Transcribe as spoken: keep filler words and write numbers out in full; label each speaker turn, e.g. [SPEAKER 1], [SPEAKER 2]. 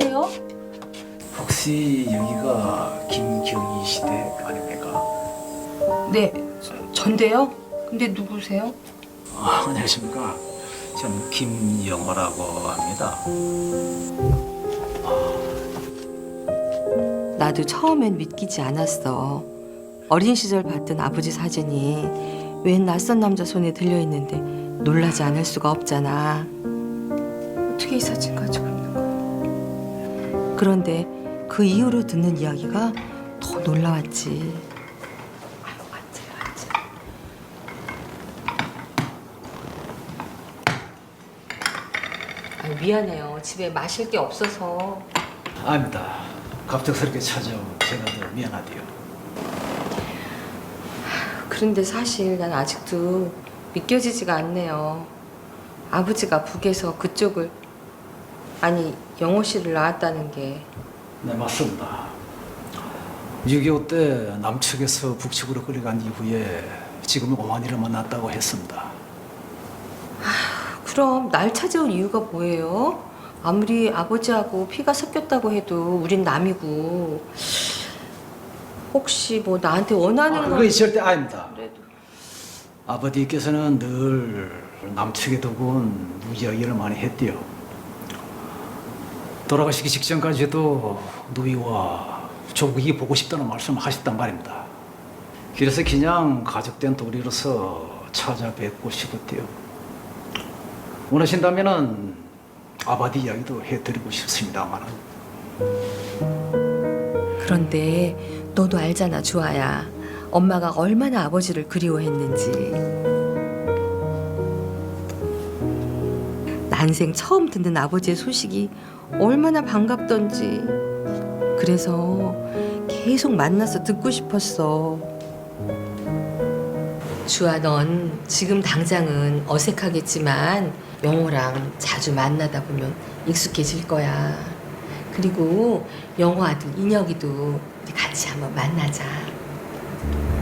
[SPEAKER 1] 누구세요?
[SPEAKER 2] 혹시 여기가 김경희 시댁 아닙니까?
[SPEAKER 1] 네, 전데요. 근데 누구세요?
[SPEAKER 2] 아, 안녕하십니까. 저는 김영호라고 합니다.
[SPEAKER 3] 나도 처음엔 믿기지 않았어. 어린 시절 봤던 아버지 사진이 웬 낯선 남자 손에 들려있는데 놀라지 않을 수가 없잖아.
[SPEAKER 1] 어떻게 이 사진 가지고 있는 거예요?
[SPEAKER 3] 그런데 그 이후로 듣는 이야기가 더 놀라웠지.
[SPEAKER 1] 아유, 앉아요, 앉아요. 아유, 미안해요. 집에 마실 게 없어서.
[SPEAKER 2] 아닙니다. 갑작스럽게 찾아온 제가 더 미안하디요.
[SPEAKER 1] 그런데 사실 난 아직도 믿겨지지가 않네요. 아버지가 북에서 그쪽을, 아니 영호 씨를 낳았다는 게.
[SPEAKER 2] 네, 맞습니다. 육이오 때 남측에서 북측으로 끌려간 이후에 지금은 어머니를 만났다고 했습니다.
[SPEAKER 1] 그럼 날 찾아온 이유가 뭐예요? 아무리 아버지하고 피가 섞였다고 해도 우린 남이고. 혹시 뭐 나한테 원하는
[SPEAKER 2] 아,
[SPEAKER 1] 건
[SPEAKER 2] 그거 절대 아닙니다.
[SPEAKER 1] 그래도.
[SPEAKER 2] 아버지께서는 늘 남측에 두고는 이야기를 많이 했대요. 돌아가시기 직전까지도 누이와 조국이 보고 싶다는 말씀을 하셨단 말입니다. 그래서 그냥 가족된 도리로서 찾아뵙고 싶었대요. 원하신다면은 아버지 이야기도 해드리고 싶습니다만은.
[SPEAKER 1] 그런데 너도 알잖아, 주아야. 엄마가 얼마나 아버지를 그리워했는지. 난생 처음 듣는 아버지의 소식이 얼마나 반갑던지. 그래서 계속 만나서 듣고 싶었어. 주아, 넌 지금 당장은 어색하겠지만 영호랑 자주 만나다 보면 익숙해질 거야. 그리고 영호 아들 인혁이도 우리 같이 한번 만나자.